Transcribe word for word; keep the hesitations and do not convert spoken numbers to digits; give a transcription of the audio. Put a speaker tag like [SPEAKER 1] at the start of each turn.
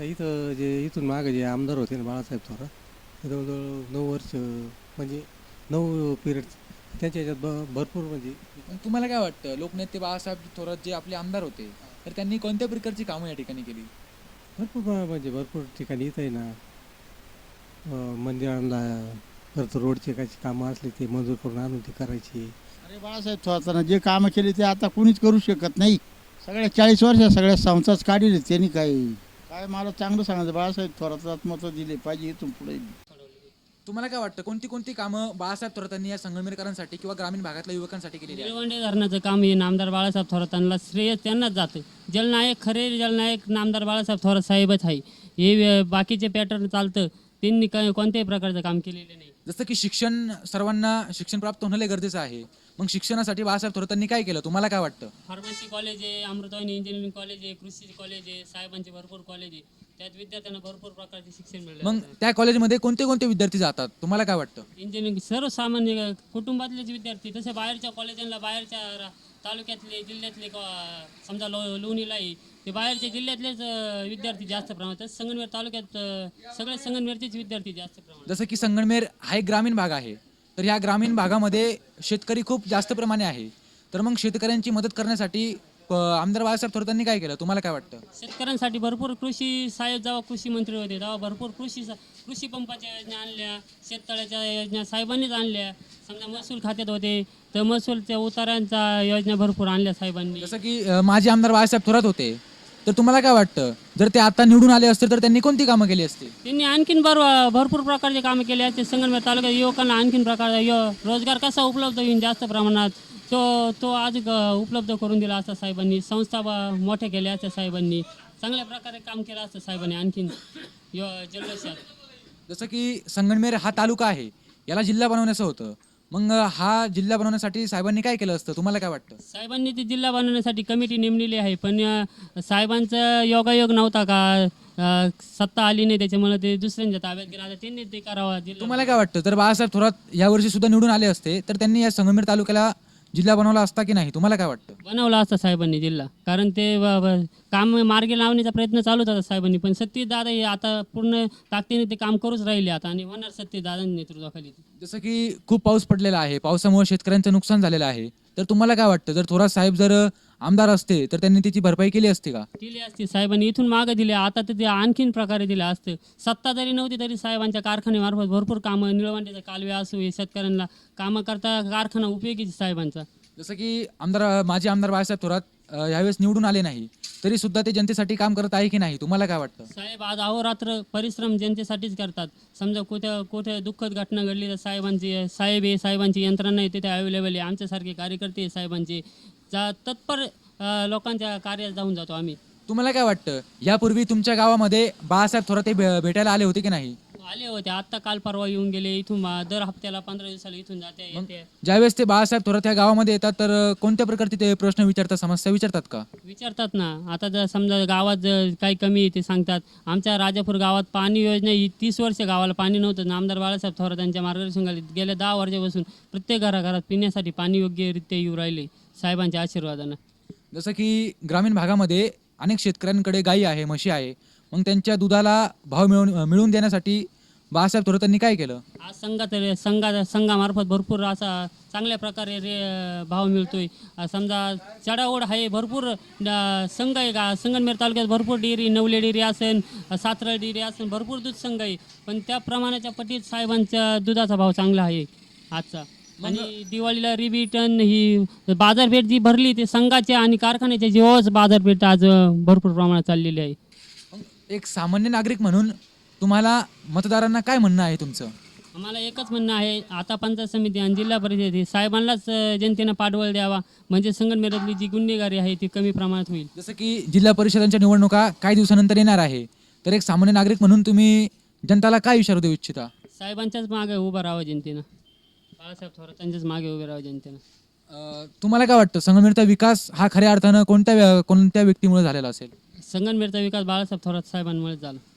[SPEAKER 1] आता इथं जे इथून मागे जे आमदार होते ना बाळासाहेब थोरात, ते जवळजवळ नऊ वर्ष म्हणजे नऊ पिरियड त्यांच्या ह्याच्यात ब भरपूर म्हणजे
[SPEAKER 2] पण तुम्हाला काय वाटतं, लोकनेते बाळासाहेब थोरात जे आपले आमदार होते, तर त्यांनी कोणत्या प्रकारची कामं या ठिकाणी केली?
[SPEAKER 1] भरपूर प्रमाणात म्हणजे भरपूर ठिकाणी इथं आहे ना अं, मंदिरांना परत रोडचे काही कामं असले ते मंजूर करून आणून ते करायची.
[SPEAKER 3] अरे बाळासाहेब थोरातांना जे कामं केली ते आता कुणीच करू शकत नाही. सगळ्या चाळीस वर्ष सगळ्या संस्थाच काढले त्यांनी. काही काय मला चांगलं सांगायचं, बाळासाहेब थोरातलाच मतं दिले पाहिजे इथून पुढे.
[SPEAKER 2] तुम्हाला काय वाटतं, कोणती कोणती कामं बाळासाहेब थोरातांनी या संगमनेरकरांसाठी किंवा ग्रामीण भागातल्या युवकांसाठी केलेली आहे?
[SPEAKER 4] निळवंडे धरणाचं काम हे नामदार बाळासाहेब थोरातांना श्रेय त्यांनाच जातं. जलनायक खरे जलनायक नामदार बाळासाहेब थोरात साहेबच आहे. हे अं, बाकीचे पॅटर्न चालतं, त्यांनी काय कोणत्याही प्रकारचं काम केलेलं नाही.
[SPEAKER 2] जसं की शिक्षण, सर्वांना शिक्षण प्राप्त होणं लय गरजेचं आहे. मग शिक्षणासाठी बाळासाहेब थोरातांनी काय केलं, तुम्हाला काय वाटतं?
[SPEAKER 4] फार्मसी कॉलेज आहे, अमृतवाणी इंजिनिअरिंग कॉलेज आहे, कृषी कॉलेज आहे, साहेबांचे भरपूर कॉलेज आहे. त्यात विद्यार्थ्यांना भरपूर प्रकारचे शिक्षण मिळतं.
[SPEAKER 2] मग त्या कॉलेजमध्ये कोणते कोणते विद्यार्थी जातात, तुम्हाला काय वाटतं?
[SPEAKER 4] इंजिनिअरिंग सर्वसामान्य कुटुंबातलेच विद्यार्थी, तसे बाहेरच्या कॉलेजांना बाहेरच्या रा- तालुक्यातले जिल्ह्यातले क- समजा लो लोणीला आहे ते बाहेरच्या जिल्ह्यातलेच अं, विद्यार्थी जास्त प्रमाणात. तसं संगमनेर तालुक्यात अं, सगळे संगमनेरचेच विद्यार्थी जास्त प्रमाणात.
[SPEAKER 2] जसं की संगमनेर हा एक ग्रामीण भाग आहे, तर ह्या ग्रामीण भागामध्ये शेतकरी खूप जास्त प्रमाणे आहे. तर मग शेतकऱ्यांची मदत करण्यासाठी प- आमदार बाळासाहेब थोरातांनी काय केलं, तुम्हाला काय वाटतं?
[SPEAKER 4] शेतकऱ्यांसाठी भरपूर कृषी साहेब जेव्हा कृषी मंत्री होते तेव्हा भरपूर कृषी सा- कृषी पंपाच्या योजना आणल्या, शेततळ्याच्या योजना साहेबांनीच आणल्या. समजा महसूल खात्यात होते तर महसूलच्या उतारांच्या योजना भरपूर आणल्या साहेबांनी.
[SPEAKER 2] जसं की अं, माजी आमदार बाळासाहेब थोरात होते, तर तुम्हाला काय वाटतं, जर ते आता निवडून आले असते तर त्यांनी कोणती कामं केली असती?
[SPEAKER 4] त्यांनी आणखीन भर भरपूर प्रकारचे कामे केले आहेत. संगमनेर तालुक्यात युवकांना आणखीन प्रकार यो- रोजगार कसा उपलब्ध होईल जास्त प्रमाणात तो तो आज ग- उपलब्ध करून दिला असता साहेबांनी. संस्था ब- मोठ्या केल्या असत्या साहेबांनी. चांगल्या प्रकारे काम केलं असतं साहेबांनी आणखीन यो जल्लोषात.
[SPEAKER 2] जसं की संगमनेर हा तालुका आहे, याला जिल्हा बनवण्याचं होतं. मग अं, हा जिल्हा बनवण्यासाठी साहेबांनी काय केलं असतं, तुम्हाला काय वाटतं?
[SPEAKER 4] साहेबांनी ती जिल्हा बनवण्यासाठी कमिटी नेमलेली आहे, पण अ, साहेबांचा योगायोग नव्हता का अ, सत्ता आली नाही त्याच्यामुळे ते दुसऱ्यांच्या ताब्यात गेला. आता त्यांनी ते करावा जिल्हा.
[SPEAKER 2] तुम्हाला काय वाटतं, जर बाळासाहेब थोरात यावर्षी सुद्धा निवडून आले असते तर त्यांनी या संगमनेर तालुक्याला जिल्हा बनवला असता की नाही, तुम्हाला काय वाटतं?
[SPEAKER 4] बनवला असता साहेबांनी जिल्हा, कारण ते ब- ब- काम मार्गी लावण्याचा प्रयत्न चालूच होता साहेबांनी. पण सत्तीश दादा हे आता पूर्ण ताकदीने ते काम करूच राहिले आता आणि होणार सत्तीश दादांच्या नेतृत्वाखाली.
[SPEAKER 2] जसं की खूप पाऊस पडलेला आहे, पावसामुळे शेतकऱ्यांचं नुकसान झालेलं आहे, तर तुम्हाला काय वाटतं, जर थोरात साहेब जर आमदार असते तर त्यांनी त्याची भरपाई केली असती का?
[SPEAKER 4] दिली असती साहेबांनी, इथून मागं दिले, आता तर ते आणखीन प्रकारे दिलं असतं. सत्ता जरी नव्हती तरी साहेबांच्या कारखान्यामार्फत भरपूर कामं, निळवंडीचं कालवे असो, हे शेतकऱ्यांना कामं करता कारखाना उपयोगी साहेबांचा.
[SPEAKER 2] जसं की आमदार माजी आमदार बाळासाहेब थोरात अं, यावेळेस निवडून आले नाही तरी सुद्धा ते जनतेसाठी काम करत आहे की नाही, तुम्हाला काय वाटतं?
[SPEAKER 4] साहेब आज अहोरात्र परिश्रम जनतेसाठीच करतात. समजा कुठं कुठे दुःखद घटना घडली तर साहेबांची साहेब आहे, साहेबांची यंत्रणा आहे तिथे अवेलेबल आहे. आमच्यासारखे कार्यकर्ते आहे साहेबांचे, जा तत्पर अ, लोकांच्या कार्यात जाऊन जातो आम्ही.
[SPEAKER 2] तुम्हाला काय वाटतं, यापूर्वी तुमच्या गावामध्ये बाळासाहेब थोरात हे भे- भेटायला आले होते की नाही?
[SPEAKER 4] आले होते आत्ता काल परवा येऊन गेले. इथून मा- दर हप्त्याला पंधरा दिवसाला इथून जाते येते.
[SPEAKER 2] ज्यावेळेस ते बाळासाहेब थोरात या गावामध्ये येतात तर अं, कोणत्या प्रकारचे ते प्रश्न विचारतात, समस्या विचारतात का?
[SPEAKER 4] विचारतात ना. आता जर समजा गावात जर काही कमी आहे ते सांगतात. आमच्या राजापूर गावात पाणी योजना ही तीस वर्ष गावाला पाणी नव्हतं. नामदार बाळासाहेब थोरात यांच्या मार्गदर्शनाखाली गेल्या दहा वर्षापासून प्रत्येक घराघरात पिण्यासाठी पाणी योग्यरित्या येऊ राहिले साहेबांच्या आशीर्वादानं.
[SPEAKER 2] जसं की ग्रामीण भागामध्ये अनेक शेतकऱ्यांकडे गायी आहे, म्हशी आहे, मग त्यांच्या दुधाला भाव मिळवून मिळवून देण्यासाठी बाळासाहेब थोरातांनी काय केलं?
[SPEAKER 4] आज संघात संघा संघामार्फत भरपूर असा चांगल्या प्रकारे रे भाव मिळतोय. अ, समजा चढाओढ आहे भरपूर. अ, संघ आहे का संगमनेर तालुक्यात भरपूर डेअरी, नवले डेअरी असेल, सातरळ डेअरी असेल, भरपूर दूध संघ आहे. पण त्या प्रमाणाच्या पटीत साहेबांच्या दुधाचा भाव चांगला आहे आजचा. आणि दिवाळीला रिबिटन ही बाजारपेठ जी भरली ते संघाच्या आणि कारखान्याच्या जीवावरच बाजारपेठ आज अ, भरपूर प्रमाणात चाललेली आहे.
[SPEAKER 2] मग एक सामान्य नागरिक म्हणून तुम्हाला मतदारांना काय म्हणणं आहे तुमचं?
[SPEAKER 4] आम्हाला एकच म्हणणं आहे, आता पंचायत समिती आणि जिल्हा परिषद ही साहेबांनाच अ, जनतेनं पाठबळ द्यावा, म्हणजे संगमनेरातली जी गुन्हेगारी आहे ती कमी प्रमाणात होईल.
[SPEAKER 2] जसं की जिल्हा परिषदांच्या निवडणुका काही दिवसानंतर येणार आहे, तर एक सामान्य नागरिक म्हणून तुम्ही जनताला काय इशारा देऊ इच्छिता?
[SPEAKER 4] साहेबांच्याच मागे उभं राहावं जनतेनं, बाळासाहेब थोरातांच्याच मागे उभे राहावं जनतेनं.
[SPEAKER 2] अं, तुम्हाला काय वाटतं, संगमनेरचा विकास हा खऱ्या अर्थानं कोणत्या व्य- कोणत्या व्यक्तीमुळे झालेला असेल?
[SPEAKER 4] संगमनेरचा विकास बाळासाहेब थोरात साहेबांमुळे झाला.